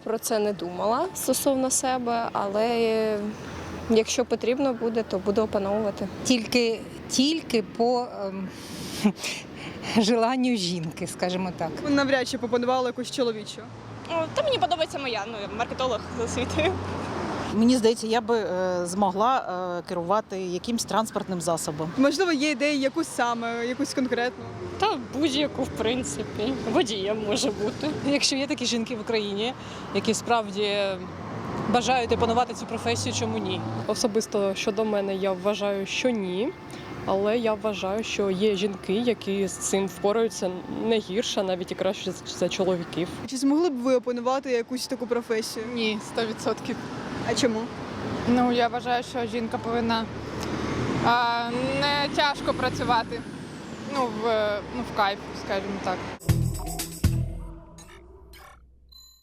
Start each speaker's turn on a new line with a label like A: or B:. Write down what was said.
A: про це не думала стосовно себе, але якщо потрібно буде, то буду опановувати.
B: Тільки по желанню жінки, скажімо так.
C: Ви навряд чи пропонували якусь чоловічу.
D: Та мені подобається моя, я маркетолог за освітою.
E: Мені здається, я би змогла керувати якимсь транспортним засобом.
C: Можливо, є ідеї якусь саме, якусь конкретну.
D: Та будь-яку, в принципі. Водієм може бути.
F: Якщо є такі жінки в Україні, які справді бажають опанувати цю професію, чому ні?
G: Особисто щодо мене я вважаю, що ні. Але я вважаю, що є жінки, які з цим впораються не гірше, навіть і краще за чоловіків.
C: Чи змогли б ви опанувати якусь таку професію?
H: Ні, 100%.
C: А чому?
H: Ну, я вважаю, що жінка повинна не тяжко працювати. В кайф, скажімо так.